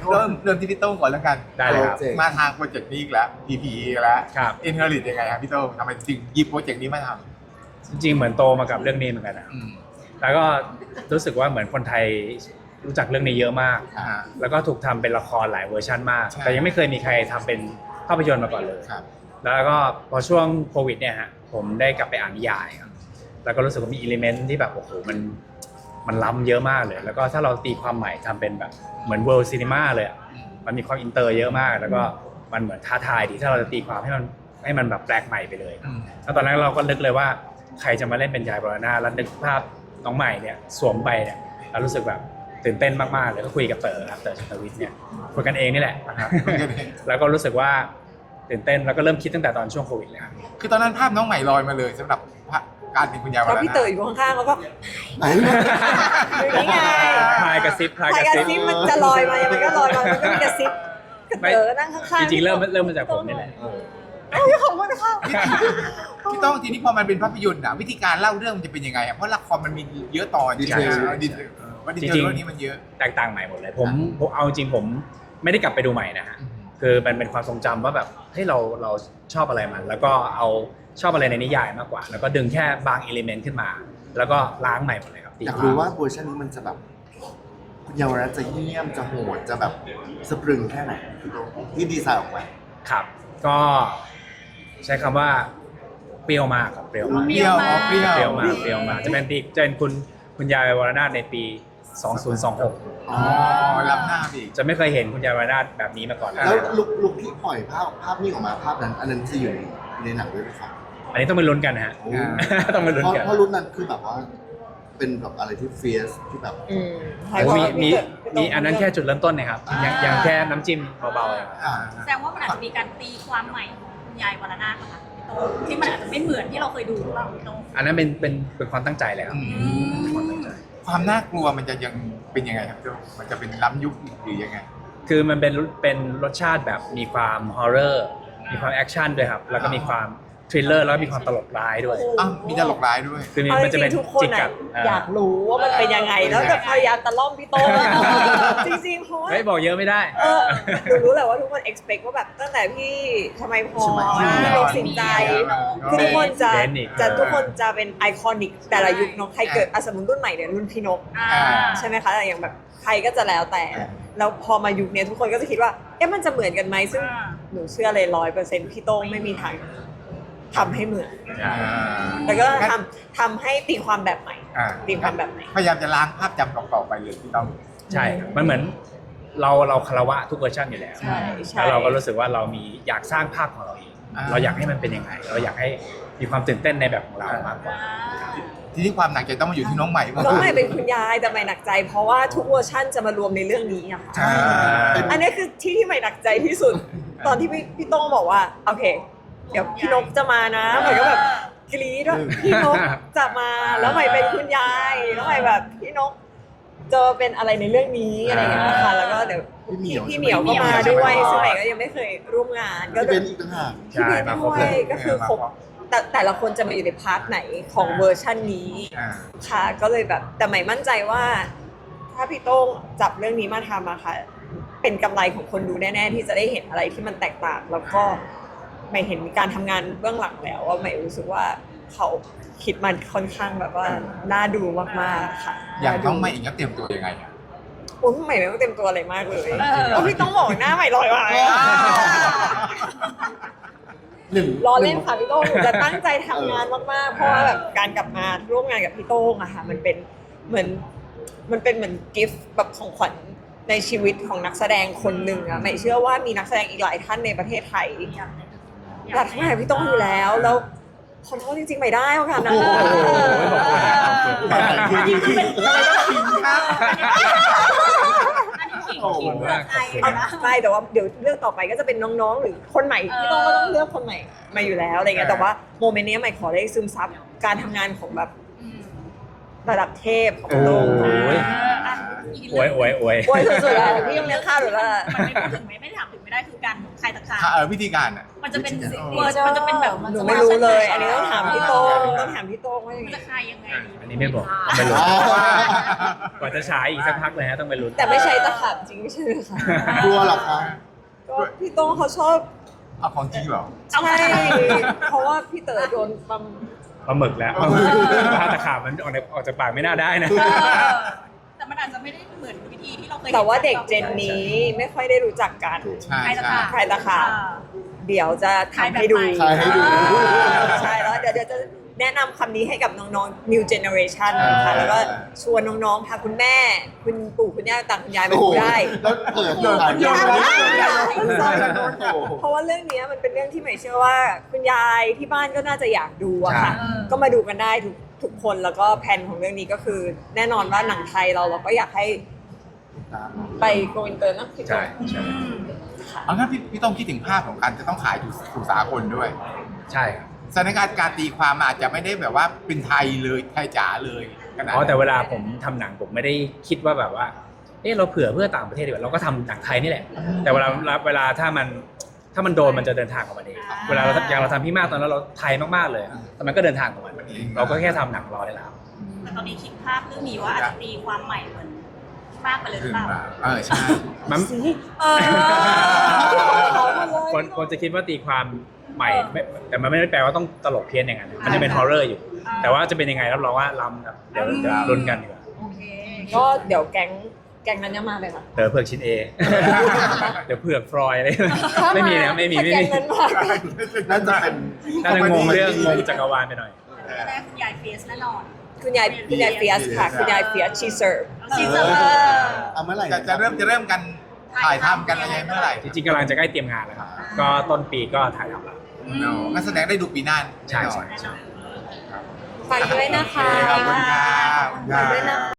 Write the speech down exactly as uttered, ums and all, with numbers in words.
เริ่มเริ่มที่พี่โต้งก่อนแล้วกันได้เลยครับมาทางโปรเจกต์นี้อีกแล้ว พี พี อีกแล้วครับอินเทอร์ลิตยังไงครับพี่โต้งทำไมจึงหยิบโปรเจกต์นี้มาทจริงๆเหมือนโตมากับเรื่องนี้เหมือนกันนะำอืมแล้วก็รู้สึกว่าเหมือนคนไทยรู้จักเรื่องนี้เยอะมากอ่าแล้วก็ถูกทำเป็นละครหลายเวอร์ชันมากใช่แต่ยังไม่เคยมีใครทำเป็นภาพยนตร์มาก่อนเลยครับแล้วก็พอช่วงโควิดเนี่ยฮะผมได้กลับไปอ่านนิยายครับแล้วก็รู้สึกว่ามีอิเลเมนต์ที่แบบโอ้โหมันมันล้ำเยอะมากเลย แล้วก็ถ้าเราตีความใหม่ทำเป็นแบบเหมือนเวิลด์ซีนีมาเลยอะมันมีความอินเตอร์เยอะมาก แล้วก็มันเหมือนท้าทายดีถ้าเราจะตีความให้มันให้มันแบบแปลกใหม่ไปเลยอืมแล้วตอนนั้นเราก็นึกเลยว่าใครจะมาเล่นเป็นยายบรณาแล้วนึกภาพน้องใหม่เนี่ยสวมไปเนี่ยเรารู้สึกแบบตื่นเต้นมากๆเลยก็คุยกับเต๋อครับเต๋อชันทวิทย์เนี่ยคุยกันเองนี่แหละครับคุยกันเองแล้วก็รู้สึกว่าตื่นเต้นแล้วก็เริ่มคิดตั้งแต่ตอนช่วงโควิดเลยครับคือตอนนั้นภาพน้องใหม่ลอยมาเลยสำหรับการเป็นคุณยายวแล้รวนาพี่เต๋ออยู่ข้างๆแล้วก็ไหนอยู่นี่ไงพายกระซิบพายพายกกระระซิซิบบมันจะลอยมายังไงก็ลอยมามันก็มีกระซิบเต๋อนั่งข้างจๆริงๆเริ่มเริ่มมาจากผมนี่แหละเอ้ยขอบคุณค่ะพี่โต้งทีนี้พอมันเป็นภาพยนตร์อะวิธีการเล่าเรื่องมันจะเป็นยังไงอะเพราะละครมันมีเยอะตอนดีเทลดีเทลว่าดีเทลจริงๆเรื่องนี้มันเยอะแตกต่างใหม่หมดเลยผมผมเอาจริงผมไม่ได้กลับไปดูใหม่นะฮะคือมันเป็นความทรงจำว่าแบบเฮ้ยเราเราชอบอะไรมัน แล้วก็เอาชอบอะไรในนิยายมากกว่า แล้วก็ดึงแค่บางอิเลเมนต์ขึ้นมา แล้วก็ล้างใหม่หมดเลยครับอยากรู้ว่าเวอร์ชันนี้มันจะแบบคุณเยาวรัตน์จะเยี่ยมจะโหดจะแบบสะพรึงแค่ไหนพี่โต้งที่ดีไซน์ออกมาครับ ก็ใช้คำว่าเปรี้ยวมากครับเปรี้ยวมากเปรี้ยวอ๋อเปรี้ยวเปรี้ยวมากเปรี้ยวมากจะเป็นปีจะเป็นคุณคุณยายวรนาถในปีสองพันยี่สิบหกอ๋อรับหน้าอีกจะไม่เคยเห็นคุณยายวรนาถแบบนี้มาก่อนเลยแล้วลุกลุกที่ปล่อยภาพภาพนี้ออกมาภาพนั้น อันนั้นจะอยู่ในในหนังด้วยไหมครับอันนี้ต้องไปลุ้นกันนะฮะโอ้ต้องไปลุ้นเพราะกันเพราะรุ่นนั้นคือแบบว่า เป็นแบบอะไรที่เฟียสที่แบบอืมโอ้มีมีมีอันนั้นแค่จุดเริ่มต้นนะครับยังยังแค่น้ำจิ้มเบาๆเองอ่าแสดงว่ามันอาจจะมีการตีความใหม่ของคุณยายวรนาถนะคะพี่โต้งที่มันอาจจะไม่เหมือนที่เราเคยดูหรือเปล่าพี่โต้งอันนั้นเป็นเป็นเป็นความตั้งใจเลยครับอืมเป็นความตั้งใจความน่ากลัวมันจะยังเป็นยังไงครับพี่โต้งมันจะเป็นล้ำยุคหรือยังไงคือมันเป็นเป็นรสชาติแบบมีความฮอร์เรอร์มีความแอคชั่นด้วยครับแล้วก็มีความทริลเลอร์แล้วก็มีความตลกร้ายด้วยอ้าวมีตลกร้ายด้วยคือเอามันจจะริเป็นงๆทุกคนจิกกัอะดอยากรู้ว่ามันเป็นยังไง แล้วแบบพยายามตะล่อมพี่โต้งจริงๆเพราะว่าเฮ้ยบอกเยอะไม่ได้เออหนูรู้แหละว่าทุกคน expect ว่าแบบตั้งแต่พี่ทำไมพอใช่ไหมพี่โลกสินใจคือทุกคนจะเบนอีกจะทุกคนจะเป็นไอคอนิกแต่ละยุคเนอะใครเกิดอะสมมติรุ่นใหม่เนี่ยรุ่นพี่นกอ่าใช่ไหมคะแต่อย่างแบบใครก็จะแล้วแต่ แล้วพอมายุคเนี้ยทุกคนก็จะคิดว่าเอ๊ะมันจะเหมือนกันไหมซึ่งอ่าหนูเชื่อเลยร้อยเปอร์เซ็นต์พี่โต้งไม่มีทางทำให้เหมือนอ่าแต่ก็ทำทำให้ตีความแบบใหม่อ่าตีความแบบใหม่พยายามจะล้างภาพจำเก่าๆไปเลยพี่โต้งใช่ครับมันเหมือนเราเราคารวะทุกเวอร์ชันอยู่แล้วใช่ใช่แล้วเราก็รู้สึกว่าเรามีอยากสร้างภาพของเราเองอ่าเราอยากให้มันเป็นยังไง เราอยากให้มีความตื่นเต้นในแบบของเรามากกว่าทีนี้ความหนักใจต้องมาอยู่ที่น้องใหม่บ้างน้องใหม่เป็นคุณยายแต่ใหม่หนักใจ เพราะว่าทุกเวอร์ชั่นจะมารวมในเรื่องนี้อะค่ะใช่อันนี้คือที่ที่ใหม่หนักใจที่สุด ตอนที่พี่พี่โต้งบอกว่าโอเค เดี๋ยวพี่นกจะมานะใหม่ก็แบบกรี๊ดว่าพี่นกจะมาแล้วใหม่เป็นคุณยายแล้วใหม่แบบพี่นกจะเป็นอะไรในเรื่องนี้อะไรอย่างเงี้ยค่ะแล้วก็เดี๋ยวพี่เหมียวพี่เหมียวก็มาด้วยซึ่งใหม่ก็ยังไม่เคยร่วมงานก็ที่จะเป็นอีกต่างหากใช่มาครบด้เลวยยก็คือครบแต่แต่ละคนจะมาอยู่ในพาร์ทไหนของเวอร์ชันนี้อ่าค่ะก็เลยแบบแต่ใหม่มั่นใจว่า ถ้าพี่โต้งจับเรื่องนี้มาทำอะค่ะเป็นกำไรของคนดูแน่ๆที่จะได้เห็นอะไรที่มันแตกต่าง แล้วก็ใหม่เห็นการทำงานเบื้องหลังแล้วว่าใหม่รู้สึกว่าเขาคิดมันค่อนข้างแบบว่าน่าดูมากๆค่ะอย่างน้องใหม่เองก็เตรียมตัวยังไงอะโอ้ยใหม่ไม่ต้องเต็มตัวอะไรมากเลยเออโอ้พี่ต้องบอกหน้าใหม่ลอยมาหนึ่งรอเล่นค่ะพี่โต้งหนูจะตั้งใจทำงานมากๆ เพราะว่าแบบการกลับมาร่วมงานกับพี่โต้งอะค่ะมันเป็นเหมือนมันเป็นเหมือนกิฟต์แบบของขวัญในชีวิตของนักแสดงคนหนึ่งอะไม่เชื่อว่ามีนักแสดงอีกหลายท่านในประเทศไทยอยากทำงานกับพี่โต้งอยู่แล้วแล้วขอโทษจริงๆไม่ได้ค่ะนะโอ้โหขอบคุณครับขอบคุณแต่คือจริงอันนี้ขิงขิงเพื่อใครเอานะใช่แต่ว่าเดี๋ยวเรื่องต่อไปก็จะเป็นน้องๆ หรือคนใหม่พี่โต้งก็ต้องเลือกคนใหม่มาอยู่แล้วอะไรเงี้ยแต่ว่าโมเมนต์นี้ใหม่ขอได้ซึมซับการทำงานของแบบระดับเทพของโอ้โลกโหอวยอวยอวยโอ้ยสุดๆแล้วพี่ยังเลี้ยงข้าวหรือว่ามันไม่พูดถึงไม่ไม่ถามถึงไม่ได้คือการใครตะขาบเออวิธีการอ่ะมันจะเป็นวิธีการเวอร์มันจะเป็นแบบหนูไม่รู้เลย อันนี้ต้องถามพี่โต้งต้องถามพี่โต้งว่ายังมันไงจะคลายยังไงอันนี้ไม่บอกต้องไปลุ้นกว่าจะฉายอีกสักพักเลยฮะต้องไปลุ้นแต่ไม่ใช่ตะขาบจริงไม่ใช่ไหมคะกลัวเหรอคะก็พี่โต้งเขาชอบเอาของจริงเหรอใช่เพราะว่าพี่เต๋อโดนปั๊มปลาหมึกแล้วถ้าตะขาบมันออกในออกจากปากไม่น่าได้นะเออแต่มันอาจจะไม่ได้เหมือนวิธีที่เราเคยห็นแต่ว่าเด็กเจนนี้ไม่ค่อยได้รู้จักกันใช่ใครตะใช่ขาบใครตะขาบ เดี๋ยวจะทำให้ดูใครให้ดูใช่แล้วเดี๋ยวเดี๋ยวจะแนะนำคำนี้ให้กับน้องๆ new generation นะคะแล้วก็ชวนน้องๆพาคุณแม่ คุณปู่คุณย่าต่างคุณยายมาโอ้โหดูได้แล้วเปิดผ่านโยนโยนโยนโอ้โหเพราะว่าเรื่องนี้มันเป็นเรื่องที่ใหม่เชื่อว่า คุณยายที่บ้านก็น่าจะอยากดูอะค่ะใช่ก็มาดูกันได้ทุกทุกคนแล้วก็แผนของเรื่องนี้ก็คือ แน่นอนว่าหนังไทยเราเราก็อยากให้ไปโกอินเตอร์นะพี่โต้ใช่งใช่เอางั้นพี่พี่ต้องคิดถึงภาพของการจะต้องขายสู่สากลด้วยใช่ครับสถานการณ์การตีความอาจจะไม่ได้แบบว่าเป็นไทยเลยไทยจ๋าเลยขนาดอ๋อนั้นแต่เวลาผมทำหนังผมไม่ได้คิดว่าแบบว่าเออเราเผื่อเพื่อต่างประเทศดีกว่าเราก็ทำหนังไทยนี่แหละ แต่เวลาเวลาถ้ามันถ้ามันโดนมันจะเดินทางออกมาเองเวลาเราอย่างเราทำพี่มากตอนนั้นเราไทยมากๆเลยแต่มันก็เดินทางออกมาเองเราก็แค่ทำหนังรอได้แล้วแต่ตอนนี้คิดภาพเรื่องนี้ว่าอาจจะตีความใหม่เหมือนมากไปเลยหรือเปล่าเออใช่มันเออคนคนจะคิดว่าตีความใหม่ไม่แต่มันไม่ได้แปลว่าต้องตลกเพี้ยนอย่างนั้นมันจะเป็นฮอร์เรอร์อยู่ แต่ว่าจะเป็นยังไงรับรองว่าล้ำครับเดี๋ยวเดี๋ยวลุ้นกันดีกว่าโอเคก็เดี๋ยวแก๊งแก๊งนั้นจะมาเลยค่ะเดี๋ยวเผือกชิ้นเอ เดี๋ยวเผือกฟรอยอะไรไม่มีนะไม่มีไม่ถ้ามีแก๊งนั้นมาน่าจะเป็นน่าจะงงเรื่องงงจักรวาลไปหน่อยจะได้คุณยายเฟียสแน่นอนคุณยายคุณยายเฟียสค่ะ คุณยายเฟียสชีเซิร์ฟชีเซอร์เอาเมื่อไหร่จะจะเริ่มจะเริ่มกันถ่ายทำกันอะไรเมื่อไหร่จริงๆกำลังจะใกล้เตรียมงานแล้วครับ ก็ต้นปีก็ถ่ายทำแล้วเนาะงั้นแสดงได้ดูปีหน้าใช่แน่นอใช่นใช่ฝากด้วยนะคะขอบคุณครับฝากด้วยนะคะ